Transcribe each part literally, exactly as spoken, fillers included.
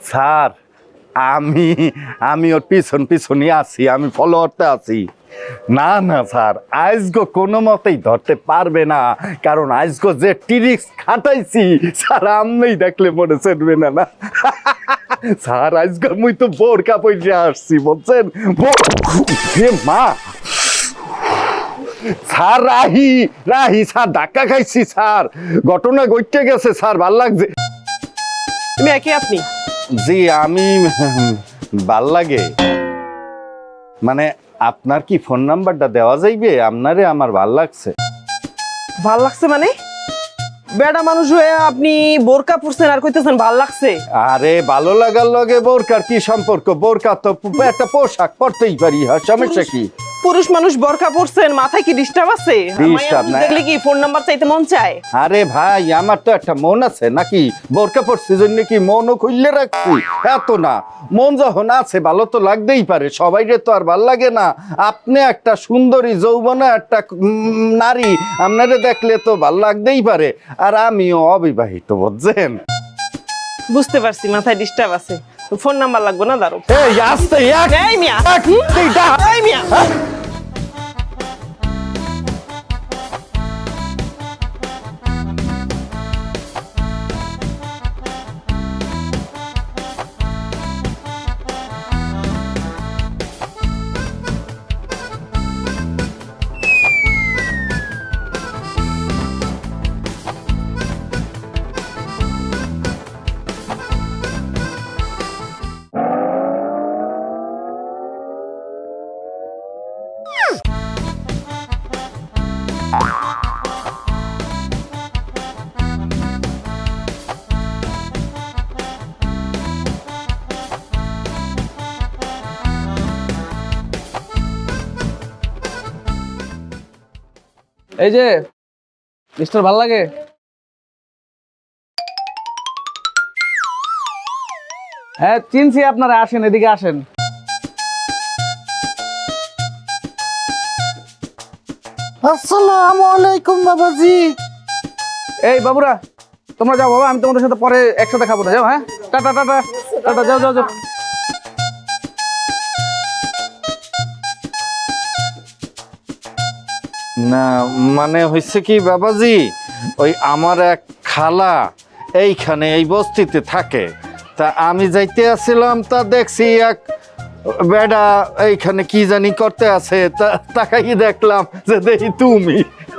Sir আমি আমি ওর পিছন পিছনই আছি, আমি ফলোয়ারতে আছি। না না স্যার, আজগো কোনো মতেই ধরতে পারবে না, কারণ আজগো যে টিরিক্স খাটাইছি স্যার আপনি দেখলে মনে চলবে না না স্যার আজকে মুই তো বোরকা পরে আসছি বলছেন। হে মা স্যার, রাহি রাহি স্যার ধাক্কা খাইছি স্যার, ঘটনা ঘটতে গেছে স্যার, ভাল লাগছে। তুমি একই আপনি? জি আমি ভাল লাগে মানে আপনার কি ফোন নাম্বারটা দেওয়া যাইবে? আপনারে আমার ভাল লাগছে। ভাল লাগছে মানে? বেটা মানুষ হয়ে আপনি বোরকা পরছেন আর কইতেছেন ভাল লাগছে? আরে ভালো লাগার লগে বোরকার কি সম্পর্ক? বোরকা তো একটা পোশাক, পরতেই পারি, আর সমস্যা কি? পুরুষ মানুষ বোরকা পরছেন, মাথায় কি ডিস্টার্ব আছে? ডিস্টার্ব না। দেখলে কি ফোন নাম্বার চাইতে মন চায়? আরে ভাই আমার তো একটা মন আছে নাকি? বোরকা পরছি জন্য কি মনও খুললে রাখছি? এত না, মন যখন আছে ভালো তো লাগতেই পারে, সবাইরে তো আর ভাল লাগে না। আপনি একটা সুন্দরী যৌবনা একটা নারী, আপনারে দেখলে তো ভাল লাগতেই পারে। আর আমিও অবিবাহিত বুঝছেন। বুঝতে পারছি মাথায় ডিস্টার্ব আছে, ফোন নাম্বার লাগবে না। দাঁড়ো এই আস্তে এক এই মিয়া, এক এইটা এই মিয়া। এই যে মিস্টার ভাল লাগে, হ্যাঁ চিনছি আপনারা, আসেন এদিকে আসেন। আসসালামু আলাইকুম বাবাজি। এই বাবুরা তোমরা যাও বাবা, আমি তোমাদের সাথে পরে একসাথে খাবো না, যাও। হ্যাঁ টাটা টাটা টাটা, যাও যাও যাও। না মানে হয়েছে কি বাবাজি, ওই আমার এক খালা এইখানে এই বস্তিতে থাকে, তা আমি যাইতে আসছিলাম, তা দেখছি এক বেডা এইখানে কি জানি করতে আছে, তা তাকাই দেখলাম যে দেখি তুমি।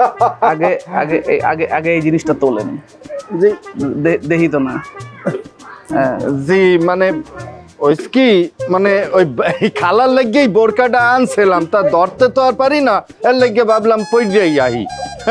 আগে আগে এই- আগে আগে এই জিনিসটা তোলেন, জি দে- দেখি তো না। হ্যাঁ জি মানে ওই কি মানে ওই এই খালার লেগেই বোরকাটা আনছিলাম, তা ধরতে তো আর পারি না, এর লেগে ভাবলাম পইরেই আহি।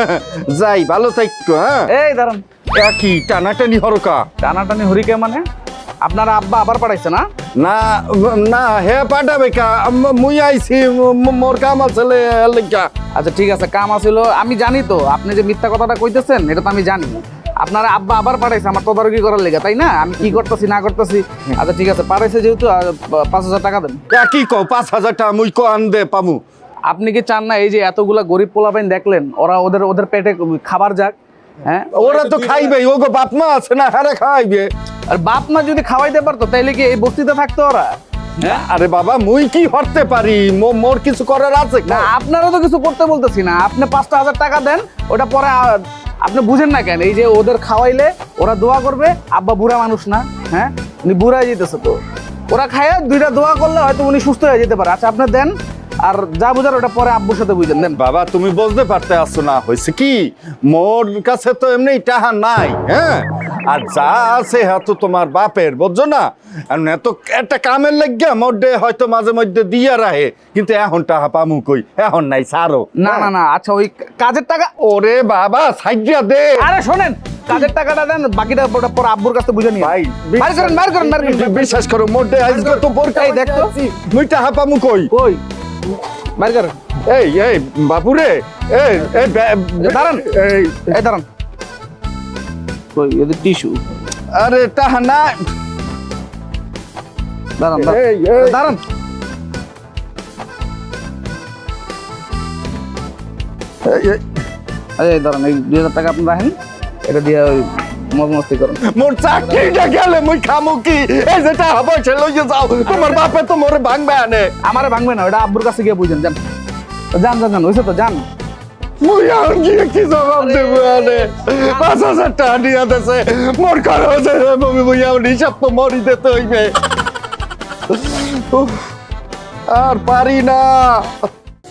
যাই, ভালো থাকো। হ্যাঁ এই দাঁড়ান, একই টানাটানি হরকা। টানাটানি হরিকে মানে আপনার আব্বা আবার পাঠাইছে না? না না হে পাঠাবে কা, আম- মুই আইছি, ম- মোর কাম আছে লেগা। আচ্ছা ঠিক আছে, কাম আছিল, আমি জানি তো আপনি যে মিথ্যা কথাটা কইতেছেন এটা তো আমি জানি। আপনার আব্বা আবার পাঠাইছে আমার তদারকি করার লেগে, তাই না? আমি কি করতেছি না করতেছি। আচ্ছা ঠিক আছে, পাঠাইছে যেহেতু আর পাঁচ হাজার টাকা দেন। কি কও, পাঁচ হাজার টাকা মুই কো আন দে পামু? আপনি কি চান না এই যে এতগুলা গরিব পোলাপাইন দেখলেন, ওরা ওদের ওদের পেটে খাবার যাক? হ্যাঁ ওরা তো খাইবে, ওগো বাপ মা আছে না, হারে খাইবে। আর বাপ মা যদি খাওয়াইতে পারতো তাইলে কি এই বস্তিতে থাকতো ওরা? হ্যাঁ আরে বাবা মুই কি হরতে পারি, মো- মোর কিছু করার আছে না আপনারও তো কিছু করতে বলতেছি না, আপনি পাঁচটা হাজার টাকা দেন, ওটা পরে আ- আপনি বুঝেন না কেন? এই যে ওদের খাওয়াইলে ওরা দোয়া করবে, আব্বা বুড়া মানুষ না, হ্যাঁ উনি বুড়া হয়ে যেতেছে, তো ওরা খায় দুইটা দোয়া করলে হয়তো উনি সুস্থ হয়ে যেতে পারে। আচ্ছা আপনি দেন, আর যা বুঝার ওটা পরে আব্বুর সাথে বুঝেন, দেন। বাবা তুমি বুঝতে পারতে আসছো না, হয়েছে কি মোর কাছে তো এমনি টাহা নাই, হ্যাঁ আর যা আছে হ্যাঁ তো তোমার বাপের, বুঝছো না? এখন এত একটা কামের লাগিয়া মধ্যে হয়তো মাঝে মধ্যে দিয়া রাহে, কিন্তু এখন টাহা পামু কই, এখন নাই সারো। না না না, আচ্ছা ওই কাজের টাকা, ওরে বাবা সাইডিয়া দে। আরে শোনেন, কাজের টাকাটা দেন, বাকিটা ওটা পরে আব্বুর কাছে বুঝে নিয়ে ভাই বাইর করেন বাইর করেন বাইর করেন। বিশ্বাস করো মধ্যে আজকে তো বোরকা এই দেখ তো। মুই টাহা পামু কই? কই বাইর করেন। এই এই বাপুরে এই এই বে- দাঁড়ান। এই এই দাঁড়ান, কই এদের টিস্যু? আরে টাহা না, দাঁড়ান দাঁড়ান, এই, এই। দাঁড়ান। এই, এই, এই দাঁড়ান, এই দুই হাজার টাকা আপনি রাখেন, এটা দিয়ে ওই মজ মস্তি করেন। মোর চাকরিটা গেলে মুই খামু কি? এই যে টাকা পয়সা লইয়ে যাও, তোমার বাপে তো মোরে ভাঙবে আনে। আমারে ভাঙবে না, ওটা আব্বুর কাছে গিয়ে বুঝেন। যান যান যান যান, হয়েছে তো যান। মুই আর গিয়ে কি জবাব দেবো আনে? পাঁচ হাজার টাকা নিয়ে দিছে, মোর খরচ হচ্ছে মমি, মুই আমার হিসাব তো মরি দিতে হইবে। উফ, আর পারি না।